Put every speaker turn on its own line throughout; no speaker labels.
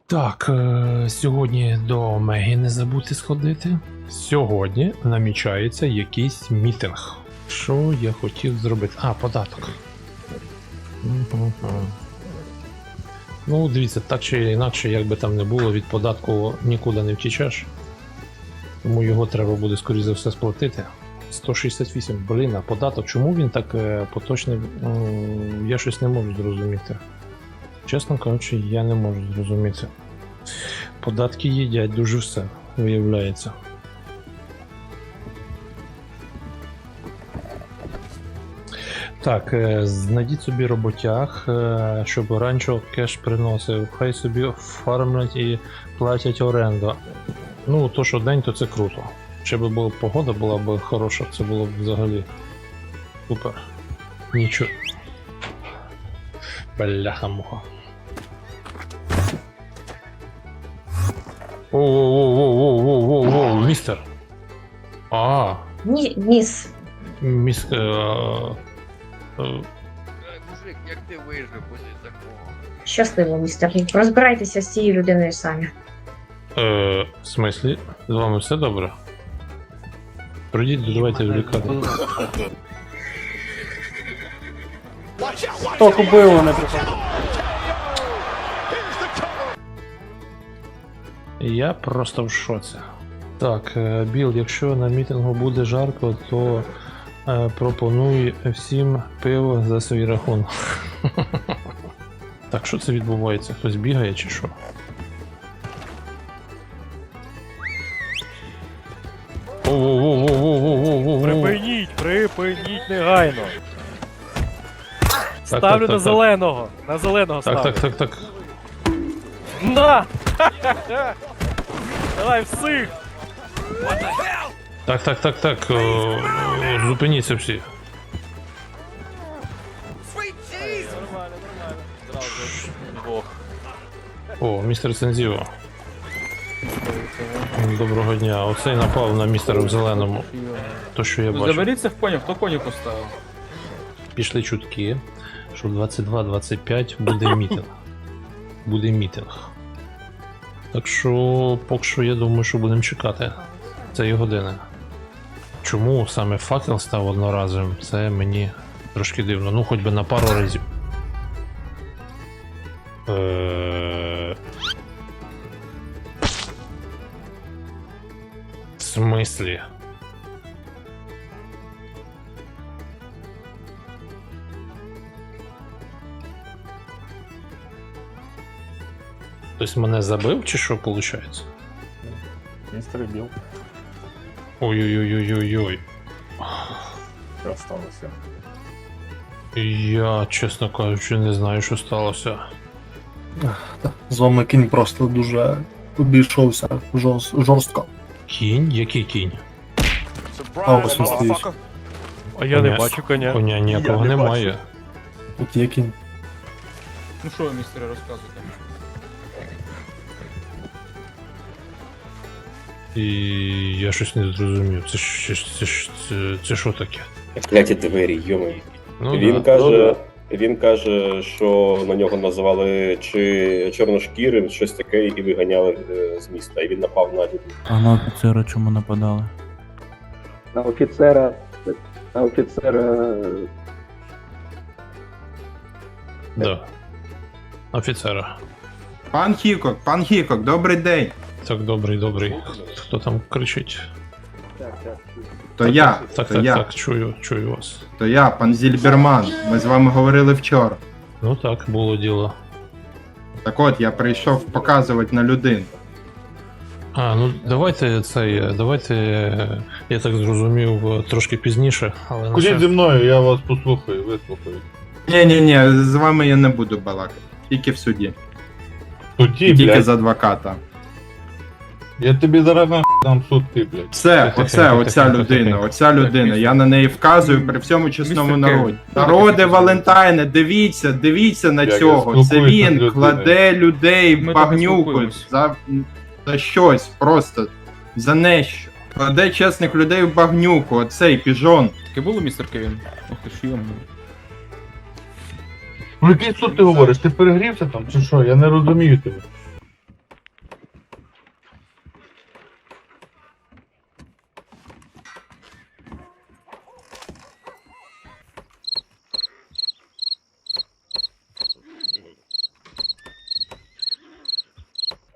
Так, сьогодні до Мегі не забудьте сходити. Сьогодні намічається якийсь мітинг. Що я хотів зробити? А, податок. Ну, дивіться, так чи інакше, як би там не було, від податку нікуди не втічеш. Тому його треба буде, скоріш за все, сплатити. 168, блін, а податок, чому він так поточний? Я щось не можу зрозуміти. Чесно кажучи, я не можу зрозуміти. Податки їдять дуже все, виявляється. Так, знайдіть собі роботяг, щоб ранчо кеш приносив. Хай собі фармлять і платять оренду. Ну, то що день, то це круто. Ще б була погода була б хороша, це було б взагалі супер. Нічого. Бляха-муха. Воу-воу-воу-воу-воу-воу-воу, містер. А,
Міс.
міс...
Мужик, як ти вижив після такого?
Щасливо, містер. Розбирайтеся з цією людиною самі.
В смислі? З вами все добре? Пройдіть, давайте в лікарню.
Хто купив, не приходить.
Я просто в шоці. Так, Біл, якщо на мітингу буде жарко, то пропоную всім пиво за свій рахунок. Так, що це відбувається? Хтось бігає чи що?
Припиніть негайно.
Так,
Ставлю
так,
на
так,
зеленого. На зеленого
Так,
ставлю.
так.
На! Давай всіх!
Так. Зупиніться всі.
Нормально. Зразу двох.
О, містер Сензіво. Доброго дня. Оцей напав на містера в зеленому. То, що я бачу.
Заберіться в коня, хто коні поставив?
Пішли чутки, що в 22-25 буде мітинг. Так що, поки що, я думаю, що будемо чекати цієї години. Чому саме факел став одноразовим, це мені трошки дивно. Ну, хоч би на пару разів. В смислі? Хтось мене забив чи що виходить?
Містер Біл.
Ой-ой-ой-ой-ой.
Що сталося?
Я, чесно кажучи, не знаю, що сталося.
З вами кінь просто дуже обійшовся жорстко.
Кінь? Який кінь?
А ось він стоїть.
А я не бачу коня.
Коня ніякого немає.
Тут є кінь.
Ну що ви, містери, розказуєте?
І я щось не зрозумів. Це що таке?
Кляті двері, йомий.
Ну,
Він каже, що на нього називали чи чорношкірим, щось таке, і виганяли з міста. І він напав на людей.
А на офіцера чому нападали?
На офіцера.
Да. Офіцера.
Пан Хікок, добрий день.
Так, добрий. Хто там кричить?
То я,
Так, чую вас.
то я, пан Зільберман. Ми з вами говорили вчора.
Ну так, було діло.
Так от, я прийшов показувати на людину.
А, ну давайте я так зрозумів, трошки пізніше, але на
Ходіть зі мною, я вас послухаю, вислухаю.
Ні, з вами я не буду балакати. Тільки в суді.
Суді,
І тільки
блядь.
з адвоката.
Я тобі зараз нахуй дам суд, ти, блядь.
Оця людина, я на неї вказую при всьому чесному
Містер
народі. Народи Валентайне, дивіться на
Як я
цього. Це
спілкуюся з
він
людиною.
кладе людей
Ми
в
так і
багнюку
спілкуємось.
за щось, просто за нещо. Кладе чесних людей в багнюку, оцей піжон.
Таке було, містер Кевін? Ох ти ж йому.
Про який суд ти говориш? Ти перегрівся там чи що? Я не розумію тебе.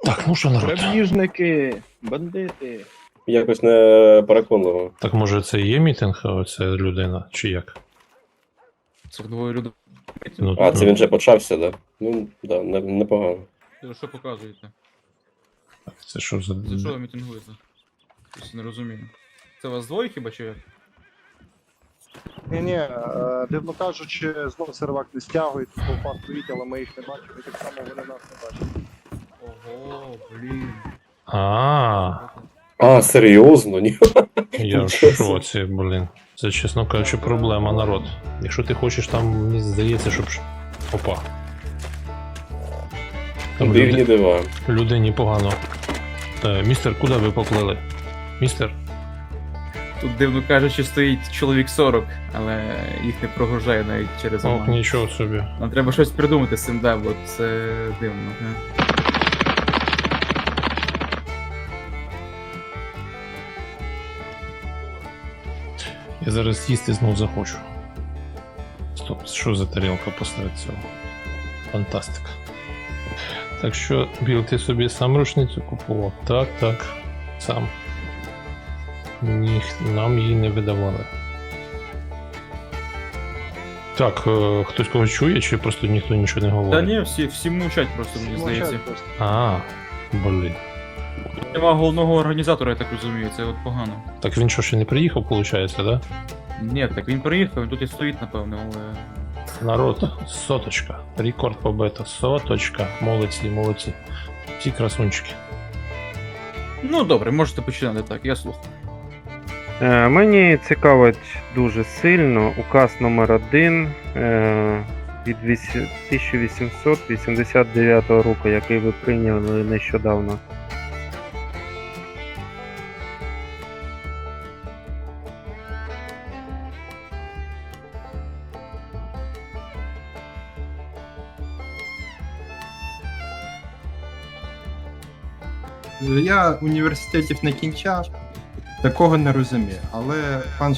Так, ну що, народ?
Грабіжники, бандити.
Якось не переконливо.
Так може це і є мітинг, а це людина, чи як?
Це двоє людей.
Ну,
А, це він вже почався, да? Ну, да, непогано.
Що показуєте?
Це що за...
За що ви мітингуєте? Щось не розумію. Це вас двоє хіба чи як?
Ні, дивно кажучи, знову сервак не стягують, толпа стоїть, але ми їх не бачимо, і так само вони нас не бачать.
Ого, блін.
А,
Серйозно? Ні.
я в шоці, блін. Це, чесно кажучи, проблема, народ. Якщо ти хочеш там, мені здається, щоб... Опа. Там
Дивні дива.
людині погано. Містер, куди ви поплили? Містер?
Тут, дивно кажучи, стоїть чоловік 40, але їх не прогружає навіть через
Ох,
оману.
нічого собі.
Нам треба щось придумати з цим, да, бо це дивно. Не?
Я зараз їсти знов захочу. Стоп, що за тарілка посеред цього? Фантастика. Так що, Біл, ти собі сам рушницю купував? Так, так, сам. Нам її не видавали. Так, хтось когось чує, чи просто ніхто нічого не
Та
говорить?
ні, всі мовчать просто, мені здається.
А, блін.
Нема головного організатора, я так розумію, це от погано.
Так він що, ще не приїхав, виходить, да?
Ні, так він приїхав, він тут і стоїть, напевно, але...
Народ, соточка. Рекорд побито. Соточка. Молодці, молодці. Всі красунчики.
Ну добре, можете починати так, я слухаю.
Мені цікавить дуже сильно указ номер 1 від 1889 року, який ви прийняли нещодавно.
Я університетів не кінчав, такого не розумію. Але пан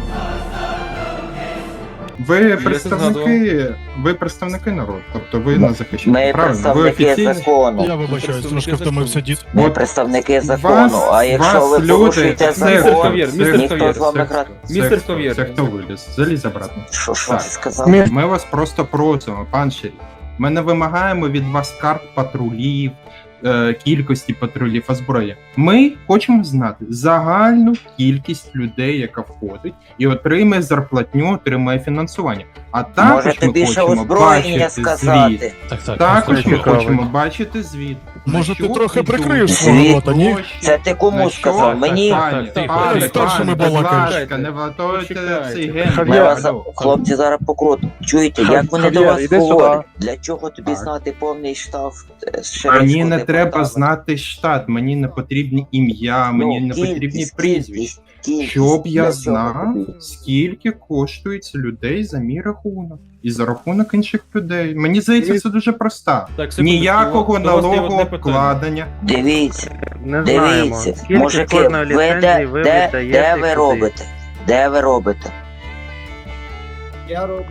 ви представники народу, тобто ви нас захищаєте.
Ми
Правильно, ви
представники
офіційні.
закону.
Я вибачаюсь, трошки втомився дід.
Ми
От
представники
вас-
закону, а якщо ви
вас
порушуєте
люди-
закон,
Хав'єр, містер
ніхто
Хав'єр,
з вами грати.
Містер
Це
Хав'єр.
хто виліз? Залізь обратно.
Що
Так.
ти сказав?
Ми вас просто просимо, пан Шеріф. Ми не вимагаємо від вас карт патрулів, кількості патрулів, озброєння. Ми хочемо знати загальну кількість людей, яка входить, і отримає зарплатню, отримає фінансування. А також
Можете
ми
більше
хочемо
озброєння
бачити звіт.
сказати.
Так,
Також ми
цікавить.
хочемо бачити звіт.
Може, ти
Що
трохи
йдуть
прикриєш
свого
гроші,
рота, ні?
Це ти кому
на що
сказав? Мені?
пані,
Так,
пане,
так,
старшими
пане, будь
балакаєш.
ласка, не ватуйте
Почекайте.
цей
Ми
ген.
вас, хлопці, зараз покрутимо. Чуєте, як вони до вас говорять? Для чого тобі
Так.
знати повний штраф
Мені не треба знати штат, мені не потрібні ім'я, мені не потрібні прізвища. Щоб я знав, скільки коштують людей за мій рахунок і за рахунок інших людей. Мені здається, це дуже просто.
Так, секундочку,
Ніякого
до вас є одне
налогообкладення.
Дивіться,
Не знаємо,
дивіться,
скільки
мужики,
кожної
ви
ліцензії ви
де
віддаєте.
ви
і куди.
робите? Де ви робите?
Я роблю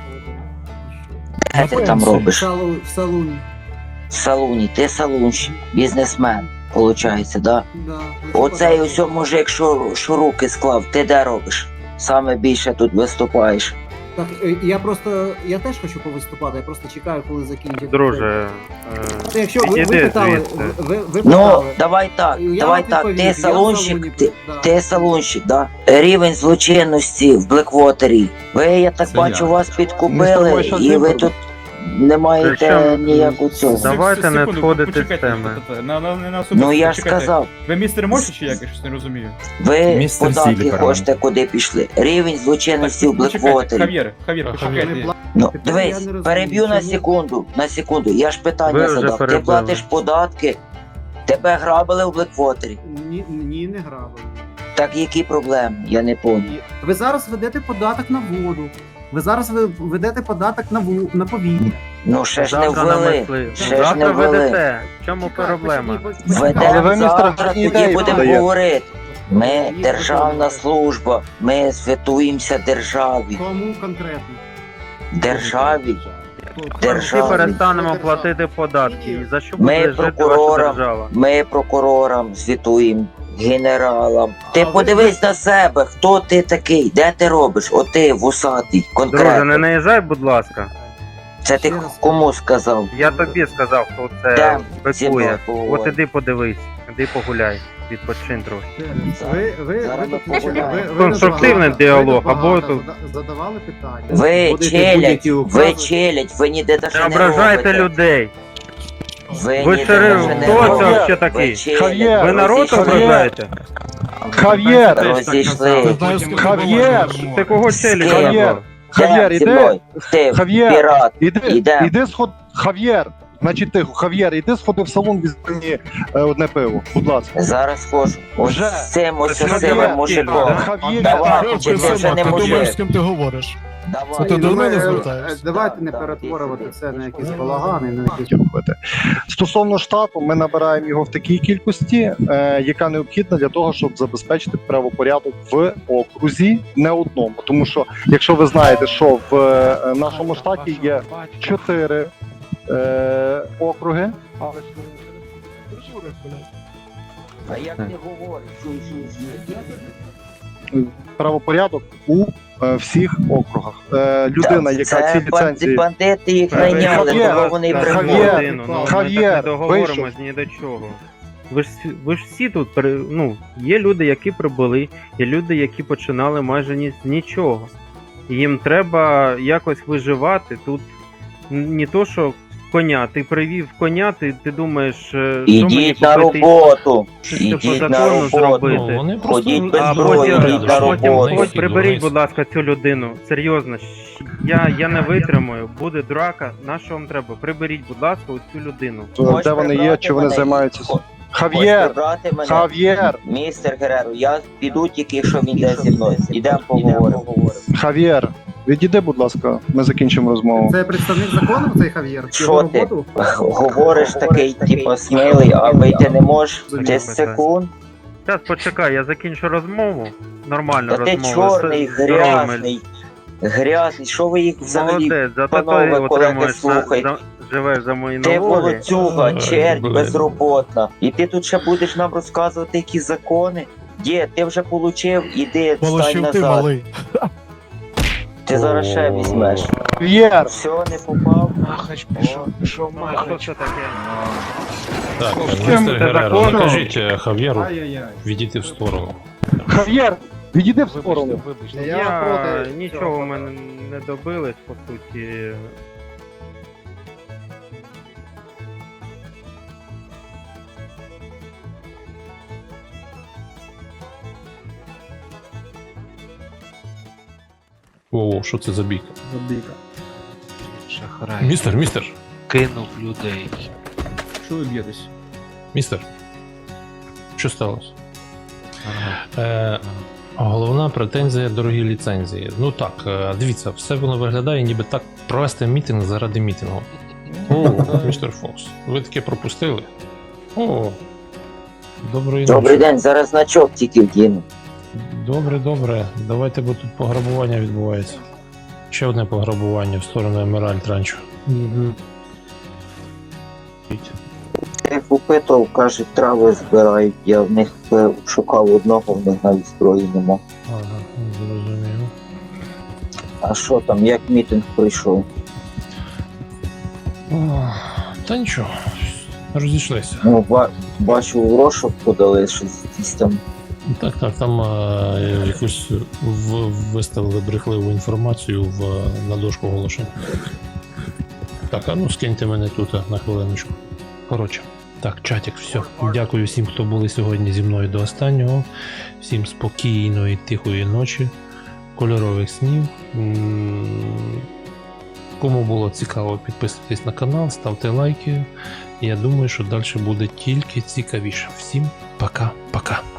Де ти там робиш?
в салоні.
В салуні, ти салунщик, бізнесмен, виходить, да? Оцей ось мужик, що руки склав, ти де робиш? Саме більше тут виступаєш.
Так, я теж хочу повиступати, я просто чекаю, коли закінчить.
Друже,
Якщо
іди звідси.
ви
Ну, давай так, ти салунщик, ти салунщик, да? Рівень злочинності в Блеквотері. Ви, я так
Це
бачу,
я.
вас
Ми з
підкупили,
тобою щас
і ви
виберемо.
тут не маєте
Причому-
ніякого цього.
Давайте не відходити з
почекайте,
теми.
на
Ну я ж сказав,
Ви містер Морсі чи як? Я щось не розумію.
ви
Містер
податки
Зіліберман.
хочете куди пішли. Рівень злочинності в Блеквотері.
Хав'єр, почекайте.
Ну,
Я
дивись,
не розумію,
переб'ю на секунду. Я ж
Ви
питання
вже
задав. Ти
перебили.
платиш податки, тебе грабили в Блеквотері.
Ні, не грабили.
Так які проблеми? Я не понял.
Ви зараз ведете податок на воду. Ви зараз ведете податок на повітря.
Ну ще ж не
Завтра
ввели.
намисли.
Ще ж не
Завтра
ввели.
ведете. В чому проблема?
Ведемо завтра, тоді будемо говорити. Ми державна служба, ми святуємося державі.
Кому конкретно?
Державі. державі.
перестанемо платити податки. І за що
Ми
буде жити ваша
прокурорам,
держава?
ми прокурорам звітуємо, генералам. Ти подивись на себе, хто ти такий, де ти робиш? От ти вусатий,
Друже, не
конкретно.
наїжджай, будь ласка.
Це ти кому сказав?
Я тобі сказав, хто це
Де зі мною
бикує.
поговориш?
От іди подивись, іди погуляй, відпочинь трохи.
Зараз ми погуляємо.
Конструктивний діалог, або тут
задавали питання.
Ви челядь, ви ніде
не
даже не
ображайте
робите.
людей.
Ви
Ви
ніде
шериф,
даже не
хто це
робите.
вообще
Ви
такий?
челядь,
Ви народ
розійшлись.
ображаєте?
Хав'єр!
Розійшли.
Хав'єр!
Ти кого челюсть
Хав'єр.
назвав?
Хав'єр,
Зі
іди!
мною. Ти
Хав'єр.
пірат.
Іди,
Іде.
сход. Хав'єр! Значить тихо, Хав'єр, іди сходи в салон, візьми мені одне пиво, будь ласка.
Зараз хожу. Ось
Вже.
з цим ось
Це
сивим
Хав'єр,
мужиком.
да?
Хав'єр!
Давай, чи ти вже не мужик?
ким ти говориш?
Давай.
Ти до мене звертаєшся?
Давайте не перетворювати
це на якісь балагани, на якісь робити. Стосовно штату, ми набираємо його в такій кількості, яка необхідна для того, щоб забезпечити правопорядок в окрузі, не одному. Тому що, якщо ви знаєте, що в нашому штаті є 4 округи,
А як ти говориш?
правопорядок у всіх округах. Людина, яка
Це
ці ліцензії...
бандити їх найняли,
Хав'єр,
тому вони і
Хав'єр,
приходять.
Годину, ну, ми
Хав'єр,
так не договоримось ні до чого. Ви ж всі тут, ну, є люди, які прибули, є люди, які починали майже з нічого. І їм треба якось виживати. Тут не то, що коня, ти привів коня, ти думаєш, що мені
Ідіть на
купити,
роботу.
щось по
Ідіть на
закону
роботу.
зробити.
Ну, вони просто
Ходіть без
А
зброї,
потім,
ідіть на
а потім
роботу.
ось приберіть, будь ласка, цю людину. Серйозно, я не витримаю. Буде драка. На що вам треба? Приберіть, будь ласка, ось цю людину.
Де вони є, чи вони займаються?
Хочеш
Хав'єр!
прибрати мене?
Хав'єр!
Містер Гереро, я піду тільки, якщо він йде зі мною. Ідемо поговоримо.
Хав'єр! Відійди, будь ласка, ми закінчимо розмову.
Це представник закону, цей Хав'єр?
Що ти? Говориш такий, типу, смілий, а вийти не можеш? 10 секунд.
Зараз почекай, я закінчу розмову. Нормальну
Та ти
розмову.
чорний,
з здоровими.
грязний. Що ви їх взагалі?
Молодець, зато
панове,
ти
колеги,
отримуєш,
слухайте.
живеш за мої
Ти
налоги.
волоцюга, чернь,
блин.
безроботна. І ти тут ще будеш нам розказувати які закони? Дід, ти вже получив, іди, встань назад. Ти зараз ще візьмеш.
Хав'єр!
Все, не попав.
Махач пішов, пішов
Що
Махач.
це таке?
Так,
Чим
містер
це
Гереро,
законно?
накажіть Хав'єру
Ай-яй-яй.
відійти в сторону.
Хав'єр! Відійди в сторону.
Я нічого мене не добились, по суті.
Воу, що це за бійка?
Шахрай.
Містер,
Кинув людей.
Що ви б'єтесь?
містер. Що сталося? Головна претензія дорогі ліцензії. Ну так, дивіться, все воно виглядає, ніби так провести мітинг заради мітингу. О, містер Фокс, ви таке пропустили? О, доброї
Добрий
ночі.
день, зараз значок тільки вдіну.
Добре. Давайте, бо тут пограбування відбувається. Ще одне пограбування в сторону Емеральд Ранчо.
Тих опитував, кажуть, трави збирають. Я в них шукав одного, в них навіть зброї нема.
Ага, зрозумів.
А що там, як мітинг пройшов?
Та нічого, розійшлися.
Ну, бачу, в розшук подали, щось якісь там.
Так, там якусь виставили брехливу інформацію на дошку оголошень. Так, а ну скиньте мене тут на хвилиночку. Коротше, так, чатик, все. Дякую всім, хто були сьогодні зі мною до останнього. Всім спокійної, тихої ночі, кольорових снів. Кому було цікаво, підписуйтесь на канал, ставте лайки. Я думаю, що далі буде тільки цікавіше. Всім пока-пока.